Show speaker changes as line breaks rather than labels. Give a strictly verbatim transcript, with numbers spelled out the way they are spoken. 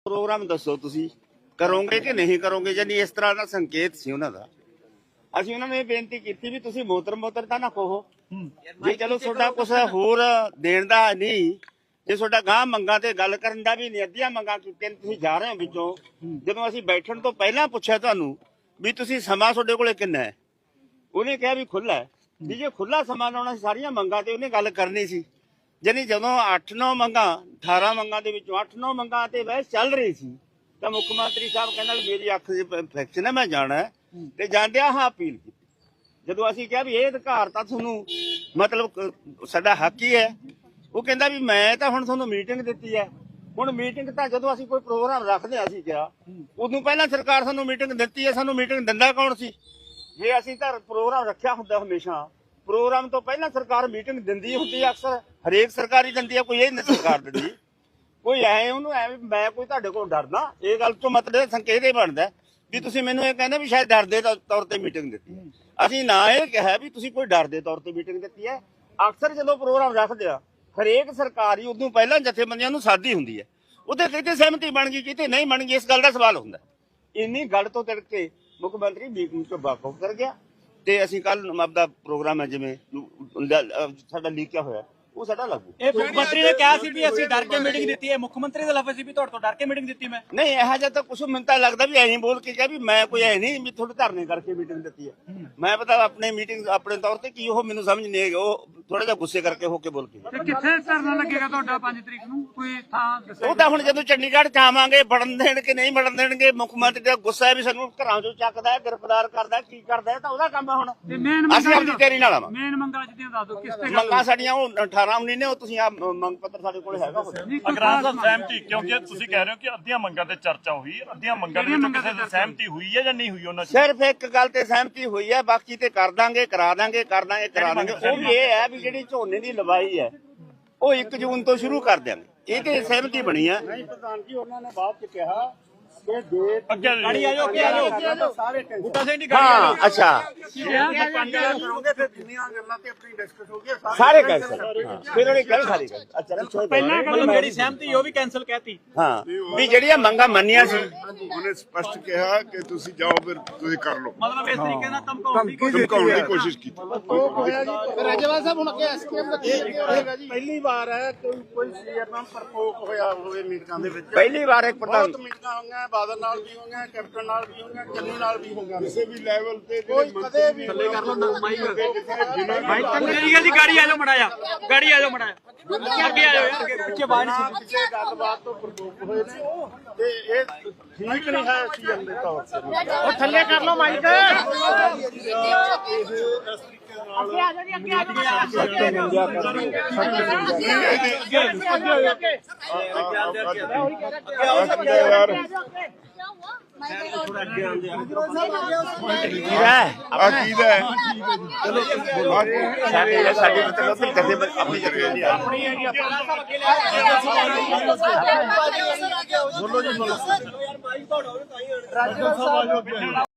programme दसो तुसी करोगे कि नहीं करोगे जानी इस तरह का संकेत सी उन्हां दा ਅਸੀਂ ਉਹਨਾਂ ਨੂੰ ਇਹ ਬੇਨਤੀ ਕੀਤੀ ਵੀ ਤੁਸੀਂ ਮੋਤਰ ਮੋਤਰ ਤਾਂ ਨਾ ਕਹੋ ਜੇ ਚਲੋ ਤੁਹਾਡਾ ਕੁਛ ਹੋਰ ਦੇਣ ਦਾ ਨਹੀਂ ਜੇ ਤੁਹਾਡਾ ਗਾਂ ਮੰਗਾਂ ਤੇ ਗੱਲ ਕਰਨ ਦਾ ਵੀ ਨਹੀਂ ਅੱਧੀਆਂ ਮੰਗਾਂ ਕੀਤੀਆਂ ਤੁਸੀਂ ਜਾ ਰਹੇ ਹੋ ਵਿੱਚੋਂ ਜਦੋਂ ਅਸੀਂ ਬੈਠਣ ਤੋਂ ਪਹਿਲਾਂ ਪੁੱਛਿਆ ਤੁਹਾਨੂੰ ਵੀ ਤੁਸੀਂ ਸਮਾਂ ਤੁਹਾਡੇ ਕੋਲੇ ਕਿੰਨਾ ਹੈ ਉਹਨੇ ਕਿਹਾ ਵੀ ਖੁੱਲਾ ਹੈ ਵੀ ਜੇ ਖੁੱਲਾ ਸਮਾਂ ਲਾਉਣਾ ਸੀ ਸਾਰੀਆਂ ਮੰਗਾਂ ਤੇ ਉਹਨੇ ਗੱਲ ਕਰਨੀ ਸੀ ਜਾਨੀ ਜਦੋਂ ਅੱਠ ਨੌ ਮੰਗਾਂ ਅਠਾਰਾਂ ਮੰਗਾਂ ਦੇ ਵਿੱਚੋਂ ਅੱਠ ਨੌ ਮੰਗਾਂ ਤੇ ਬਹਿਸ ਚੱਲ ਰਹੀ ਸੀ ਤਾਂ ਮੁੱਖ ਮੰਤਰੀ ਸਾਹਿਬ ਕਹਿੰਦਾ ਮੇਰੀ ਅੱਖ ਦੀ ਇਨਫੈਕਸ਼ਨ ਹੈ ਮੈਂ ਜਾਣਾ ਤੇ ਜਾਂਦਿਆਂ ਹਾਂ ਅਪੀਲ ਕੀਤੀ ਜਦੋਂ ਅਸੀਂ ਕਿਹਾ ਵੀ ਇਹ ਅਧਿਕਾਰ ਤਾਂ ਤੁਹਾਨੂੰ ਮਤਲਬ ਸਾਡਾ ਹੱਕ ਹੀ ਹੈ ਉਹ ਕਹਿੰਦਾ ਵੀ ਮੈਂ ਤਾਂ ਹੁਣ ਤੁਹਾਨੂੰ ਮੀਟਿੰਗ ਦਿੱਤੀ ਹੈ ਹੁਣ ਮੀਟਿੰਗ ਤਾਂ ਜਦੋਂ ਅਸੀਂ ਕੋਈ ਪ੍ਰੋਗਰਾਮ ਰੱਖਦੇ ਹਾਂ ਅਸੀਂ ਕਿਹਾ ਉਦੋਂ ਪਹਿਲਾਂ ਸਰਕਾਰ ਸਾਨੂੰ ਮੀਟਿੰਗ ਦਿੱਤੀ ਹੈ ਸਾਨੂੰ ਮੀਟਿੰਗ ਦਿੰਦਾ ਕੌਣ ਸੀ ਜੇ ਅਸੀਂ ਤਾਂ ਪ੍ਰੋਗਰਾਮ ਰੱਖਿਆ ਹੁੰਦਾ ਹਮੇਸ਼ਾ ਪ੍ਰੋਗਰਾਮ ਤੋਂ ਪਹਿਲਾਂ ਸਰਕਾਰ ਮੀਟਿੰਗ ਦਿੰਦੀ ਹੁੰਦੀ ਹੈ ਅਕਸਰ ਹਰੇਕ ਸਰਕਾਰੀ ਦਿੰਦੀ ਹੈ ਕੋਈ ਇਹ ਨਹੀਂ ਸਰਕਾਰ ਦਿੰਦੀ ਕੋਈ ਐ ਉਹਨੂੰ ਐ ਮੈਂ ਕੋਈ ਤੁਹਾਡੇ ਕੋਲ ਡਰਦਾ ਇਹ ਗੱਲ ਤੋਂ ਮਤਲਬ ਸੰਕੇਤ ਇਹ ਬਣਦਾ ਵੀ ਤੁਸੀਂ ਮੈਨੂੰ ਇਹ ਕਹਿੰਦੇ ਵੀ ਸ਼ਾਇਦ ਡਰ ਦੇ ਤੌਰ ਤੇ ਮੀਟਿੰਗ ਦਿੱਤੀ ਅਸੀਂ ਨਾ ਇਹ ਕਿਹਾ ਵੀ ਤੁਸੀਂ ਕੋਈ ਡਰ ਦੇ ਤੌਰ ਤੇ ਮੀਟਿੰਗ ਦਿੱਤੀ ਹੈ ਅਕਸਰ ਜਦੋਂ ਪ੍ਰੋਗਰਾਮ ਰੱਖਦੇ ਆ ਹਰੇਕ ਸਰਕਾਰੀ ਉਦੋਂ ਪਹਿਲਾਂ ਜਥੇਬੰਦੀਆਂ ਨੂੰ ਸਾਦੀ ਹੁੰਦੀ ਹੈ ਉਹਦੇ ਕਿਤੇ ਸਹਿਮਤੀ ਬਣ ਗਈ ਕਿਤੇ ਨਹੀਂ ਬਣ ਗਈ ਇਸ ਗੱਲ ਦਾ ਸਵਾਲ ਹੁੰਦਾ ਇੰਨੀ ਗੱਲ ਤੋਂ ਤਿੜਕ ਕੇ ਮੁੱਖ ਮੰਤਰੀ ਮੀਟਿੰਗ ਤੋਂ ਵਾਕਫ ਕਰ ਗਿਆ ਤੇ ਅਸੀਂ ਕੱਲ ਆਪਦਾ ਪ੍ਰੋਗਰਾਮ ਹੈ ਜਿਵੇਂ ਸਾਡਾ ਲੀਕਿਆ ਹੋਇਆ ਉਹ ਸਾਡਾ ਲਾਗੂ
ਇਹ ਮੁੱਖ ਮੰਤਰੀ ਨੇ ਕਿਹਾ ਸੀ ਵੀ ਅਸੀਂ ਡਰ ਕੇ ਮੀਟਿੰਗ ਦਿੱਤੀ ਹੈ ਮੁੱਖ ਮੰਤਰੀ ਦਾ ਲਫ਼ਜ਼ ਸੀ ਵੀ ਤੁਹਾਡੇ ਤੋਂ ਡਰ ਕੇ ਮੀਟਿੰਗ ਦਿੱਤੀ ਮੈਂ
ਨਹੀਂ ਇਹੋ ਜਿਹਾ ਤਾਂ ਕੁਛ ਮੈਨੂੰ ਤਾਂ ਲੱਗਦਾ ਵੀ ਐਂ ਬੋਲ ਕੇ ਕਿਹਾ ਵੀ ਮੈਂ ਕੋਈ ਐ ਨਹੀਂ ਵੀ ਤੁਹਾਡੇ ਧਰਨੇ ਕਰਕੇ ਮੀਟਿੰਗ ਦਿੱਤੀ ਹੈ ਮੈਂ ਪਤਾ ਆਪਣੇ ਮੀਟਿੰਗ ਆਪਣੇ ਤੌਰ ਤੇ ਕੀ ਉਹ ਮੈਨੂੰ ਸਮਝ ਨਹੀਂ ਆਈ ਉਹ ਥੋੜਾ ਜਿਹਾ ਗੁੱਸੇ ਕਰਕੇ ਹੋ ਕੇ ਬੋਲ ਕੇ
ਤੇ ਕਿੱਥੇ ਧਰਨਾ ਲੱਗੇਗਾ ਤੁਹਾਡਾ ਪੰਜ ਤਰੀਕ ਨੂੰ ਕੋਈ ਥਾਂ ਦੱਸੋ
ਉਹ ਤਾਂ ਹੁਣ ਜਦੋਂ ਚੰਡੀਗੜ੍ਹ ਚ ਆਵਾਂਗੇ ਵੜਨ ਦੇਣ ਕਿ ਨਹੀਂ ਵੜਨ ਦੇਣਗੇ ਮੁੱਖ ਮੰਤਰੀ ਦਾ ਗੁੱਸਾ ਹੈ ਵੀ ਸਾਨੂੰ ਘਰਾਂ ਚੋਂ ਚੱਕਦਾ ਹੈ ਗ੍ਰਿਫਤਾਰ ਕਰਦਾ ਕੀ ਕਰਦਾ ਤਾਂ ਉਹਦਾ ਕੰਮ ਹੈ ਹੁਣ ਅਸੀਂ ਆਪਣੀ ਤੇਰੀ ਨਾਲ ਆਵਾਂਗੇ
ਮੇਨ ਮੰਗਾਂ ਜਿਹੜੀਆਂ ਦੱਸ ਦਿਓ ਕਿਸ ਤੇ
ਮੰਗਾਂ ਸਾਡੀਆਂ ਉਹ ਅਠਾਰਾਂ ਉੱਨੀ ਨੇ ਉਹ ਤੁਸੀਂ ਆ ਮੰਗ ਪੱਤਰ ਸਾਡੇ ਕੋਲ ਹੈਗਾ
ਅਗਰਾਂ ਦਾ ਸਹਿਮਤੀ ਕਿਉਂਕਿ ਤੁਸੀਂ ਕਹਿ ਰਹੇ ਹੋ ਕਿ ਅੱਧੀਆਂ ਮੰਗਾਂ ਤੇ ਚਰਚਾ ਹੋਈ ਅੱਧੀਆਂ ਮੰਗਾਂ ਦੇ ਵਿੱਚ ਕਿਸੇ ਦੀ ਸਹਿਮਤੀ ਹੋਈ ਹੈ ਜਾਂ ਨਹੀਂ ਹੋਈ ਉਹਨਾਂ ਚ
ਸਿਰਫ ਇੱਕ ਗੱਲ ਤੇ ਸਹਿਮਤੀ ਹੋਈ ਹੈ ਬਾਕੀ ਤੇ ਕਰ ਦਾਂਗੇ ਕਰਾ ਦਾਂਗੇ ਕਰ ਦਾਂਗੇ ਕਰਾ ਦਾਂਗੇ ਉਹ ਵੀ ਇਹ ਹੈ ਵੀ ਜਿਹੜੀ ਝੋਨੇ ਦੀ ਲਵਾਈ ਹੈ ਉਹ ਇੱਕ ਜੂਨ ਤੋਂ ਸ਼ੁਰੂ ਕਰ ਦਿਆਂਗੇ ਇਹ ਤੇ ਸਹਿਮਤੀ ਬਣੀ ਹੈ ਨਹੀਂ ਪ੍ਰਧਾਨ ਜੀ ਉਹਨਾਂ ਨੇ ਬਾਅਦ ਚ ਕਿਹਾ ਕਿ ਦੇ
ਗਾੜੀ ਆ ਜਾਓ ਅੱਗੇ ਆ ਜਾਓ
ਸਾਰੇ
ਬੂਟਾ ਸਿੰਘ ਦੀ
ਹਾਂ ਅੱਛਾ ਸਾਰੇ ਕੈਂਸਲ ਫਿਰ ਉਹਨੇ ਗੱਲ ਖਾਲੀ ਕਰ ਅੱਛਾ
ਪਹਿਲਾਂ ਮਤਲਬ ਜਿਹੜੀ ਸਹਿਮਤੀ ਉਹ ਵੀ ਕੈਨਸਲ ਕਹਿਤੀ
ਹਾਂ ਵੀ ਜਿਹੜੀਆਂ ਮੰਗਾਂ ਮੰਨੀਆਂ ਸੀ
ਉਹਨੇ ਸਪਸ਼ਟ ਕਿਹਾ ਕਿ ਤੁਸੀਂ ਜਾਓ ਫਿਰ ਤੁਸੀਂ ਕਰ ਲਓ
ਮਤਲਬ ਇਸ ਤਰੀਕੇ ਨਾਲ ਧਮਕਾਉਣ ਦੀ
ਧਮਕਾਉਣ ਦੀ ਕੋਸ਼ਿਸ਼ ਕੀਤੀ
ਰਾਜੇਵਾਲ ਸਾਹਿਬ ਹੁਣ ਅੱਗੇ ਐਸਕੇਐਮ ਦਾ ਕੀ ਹੋਏਗਾ ਜੀ ਪਹਿਲੀ ਵਾਰ ਹੈ ਕੋਈ ਕੋਈ ਸੀਐਮ ਨਾਲ ਪ੍ਰਕੋਪ ਹੋਇਆ ਹੋਵੇ ਮੀਟਿੰਗਾਂ ਦੇ ਵਿੱਚ ਪਹਿਲੀ ਵਾਰ ਇੱਕ ਪ੍ਰਧਾਨ
ਮੀਟਿੰਗਾਂ ਹੋਈਆਂ ਬਾਦਲ ਨਾਲ ਵੀ ਹੋਈਆਂ ਕੈਪਟਨ ਨਾਲ ਵੀ ਹੋਈਆਂ ਚੰਨੀ ਨਾਲ ਵੀ ਹੋਈਆਂ ਕਿਸੇ ਵੀ ਲੈਵਲ ਤੇ ਕੋਈ ਕਦੇ ਵੀ ਥੱਲੇ ਕਰ ਲਓ ਮਾਈਕ
ਮਾਈਕ ਤੰਗੀ ਹੈ ਜੀ ਗਾੜੀ ਆ ਜਾਓ ਮੜਾਇਆ ਗਾੜੀ ਆ ਜਾਓ ਮੜਾਇਆ ਅੱਗੇ ਆ ਜਾਓ ਯਾਰ ਪਿੱਛੇ ਬਾਹਰ ਨਹੀਂ
ਕਿਸੇ ਗੱਲਬਾਤ ਤੋਂ ਪ੍ਰਕੋਪ ਹੋਏ ਨੇ ਤੇ ਇਹ ਠੀਕ ਨਹੀਂ ਹੈ ਸੀਐਮ ਦੇ ਤੌਰ ਤੇ
ਉਹ ਥੱਲੇ ਕਰ ਲਓ ਮਾਈਕ
ਅੱਗੇ ਆ ਜਾਓ ਜੀ ਅੱਗੇ ਆ ਜਾਓ
ਯਾਰ ਆ ਕੀ ਦਾ ਚਲੋ
ਸਾਡੇ ਸਾਡੇ ਮਤਲਬ ਫਿਰ ਕਦੇ ਆਪਣੀ ਜਗ੍ਹਾ ਨਹੀਂ ਆ
ਬੋਲੋ ਜੀ ਬੋਲੋ